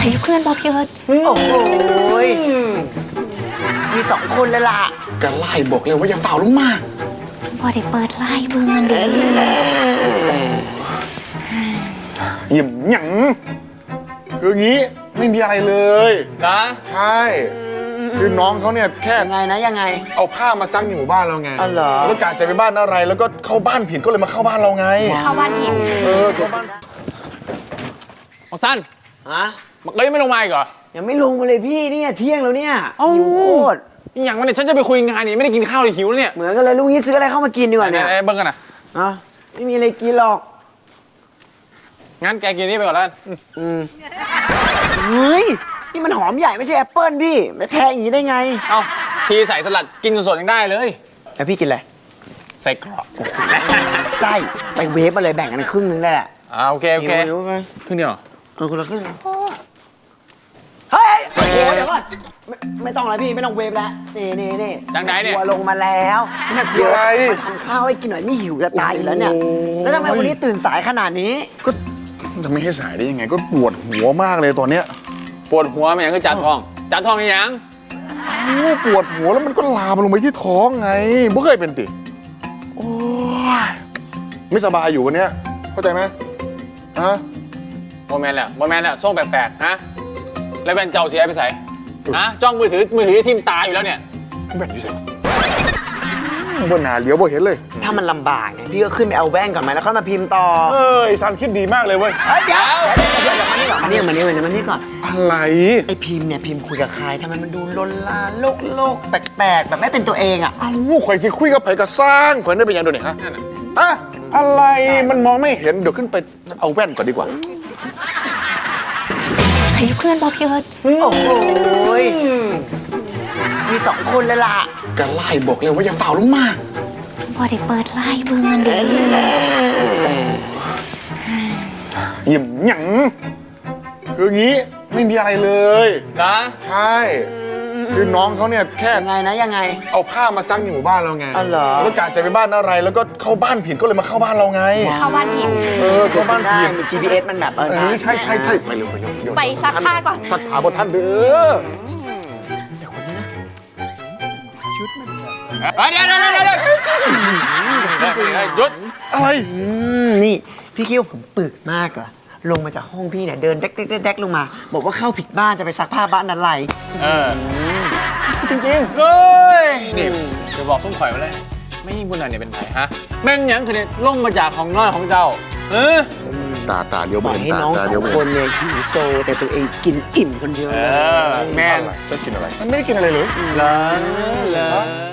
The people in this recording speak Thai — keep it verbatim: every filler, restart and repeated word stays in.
ให้เพื่อนบอกพี่เอิร์ธโอ้โหมีสองคนเลยล่ะก็ไล่บอกเลยว่าอย่าฝ่าลงมาพอได้เปิดไล่เบิ่งกันดีหยิบหยังคืองี้ไม่มีอะไรเลยนะใช่คือน้องเขาเนี่ยแค่ยังไงนะยังไงเอาผ้ามาซักในหมู่บ้านเราไงอ๋อเหรอแล้วกะจะไปบ้านอะไรแล้วก็เข้าบ้านผิดก็เลยมาเข้าบ้านเราไงเข้าบ้านผิดเออเข้าบ้านบักสั้นฮะมันก็ยังไม่ลงมาอีกเหรอยังไม่ลงมาเลยพี่เนี่ยเที่ยงแล้วเนี่ยหิวโคตรอย่างวันนี้ฉันจะไปคุยงานนี่ไม่ได้กินข้าวเลยหิวแล้วเนี่ยเหมือนกันเลยลุงนี้ซื้ออะไรเข้ามากินดีกว่าเนี่ยเบิ้งกันนะอ่ะไม่มีอะไรกินหรอกงั้นแกกินนี่ไปก่อนแล้วอืมเฮ้ยนี่มันหอมใหญ่ไม่ใช่แอปเปิ้ลพี่มาแทงอย่างนี้ได้ไงเอ้าทีใส่สลัดกินสดๆยังได้เลยแล้วพี่กินอะไรใส่กรอบไส้ไปเวฟมาเลยแบ่งกันครึ่งนึงได้แหละอ่าโอเคโอเคครึ่งเดียวเออคนละครึ่งเฮ้ยโอ้โหเดี๋ยวก่อนไม่ไม่ต้องแล้วพี่ไม่ต้องเวฟแล้วนี่นี่นี่จังไหนเนี่ยหัวลงมาแล้วนี่เดี๋ยวมาทำข้าวให้กินหน่อยนี่หิวจะตายอยู่แล้วเนี่ยแล้วทำไมวันนี้ตื่นสายขนาดนี้ก็จะไม่ให้สายได้ยังไงก็ปวดหัวมากเลยตอนเนี้ยปวดหัวมันยังคือจานทองจานทองยังปวดหัวแล้วมันก็ลามลงไปที่ท้องไงบ่เคยเป็นติโอ้ยไม่สบายอยู่วันเนี้ยเข้าใจไหมฮะโมแมนแหละโมแมนแหละช่วงแปลกๆฮะแล้วแว่นเจ้าเสียไปใส่ฮะจ้องมือถือมือถือทิ่มตาอยู่แล้วเนี่ยแว่นอยู่ใส่บนหนาเลี้ยวบ่เห็นเลยถ้ามันลำบากไงพี่ก็ขึ้นไปเอาแว่นก่อนไหมแล้วค่อยมาพิมพ์ต่อเอ้ยซันคิดดีมากเลยเว้ยเดี๋ยวเดี๋ยวมานี่ก่อนมานี่มานี่มานี่ก่อนอะไรไอพิมพ์เนี่ยพิมพ์คุยกับใครทำไมมันดูลนลานโลกโลกแปลกๆแบบไม่เป็นตัวเองอ่ะอ้าวข่อยสิคุยกับไผก็สร้างข่อยได้เป็นยังไงเนี่ยฮะอะอะไรมันมองไม่เห็นเดี๋ยวขึ้นไปเอาแว่นก่อนดีกว่าให้เพื่อนบอกพี่เอิร์ธโอ้โหมีสองคนเลยล่ะก็ไล่บอกเลยว่าอย่าฝ่าลงมาพอได้เปิดไล่เบิ่งกันดีหยิบหยังคืองี้ไม่มีอะไรเลยนะใช่คือน้องเขาเนี่ยแค่ยังไงนะยังไงเอาผ้ามาซักในหมู่บ้านเราไงอ๋อเหรอแล้วกะจะไปบ้านอะไรแล้วก็เข้าบ้านผิดก็เลยมาเข้าบ้านเราไงเข้าบ้านผิดเออเข้าบ้านผิดจี พี เอส มันแบบเออใช่ใช่ใช่ไปเร็วไปเร็วไปซักผ้าก่อนซักผ้าบนท่านเด้อแต่คนนี้นะชุดมันเดี๋ยวเดี๋ยวเดี๋ยวเดี๋ยวหยุดอะไรนี่พี่คิดว่าผมปึกมากอะลงมาจากห้องพี่เนี่ยเดินเด็กเด็กเด็กลงมาบอกว่าเข้าผิดบ้านจะไปซักผ้าบ้านนั้นไรเออจริงจริงเฮ้ยนี่จะบอกส้มข่อยมาเลยไม่ยิ่งบุญหน่อยเนี่ยเป็นไผฮะแม่นยังคือเนี่ยลงมาจากของน้อยของเจ้าเออตาตาเดียวให้น้องสองคนเนี่ยหิวโซแต่ตัวเองกินอิ่มคนเดียวเออแม่จะกินอะไรมันไม่ได้กินอะไรเลยเหรอเหรอ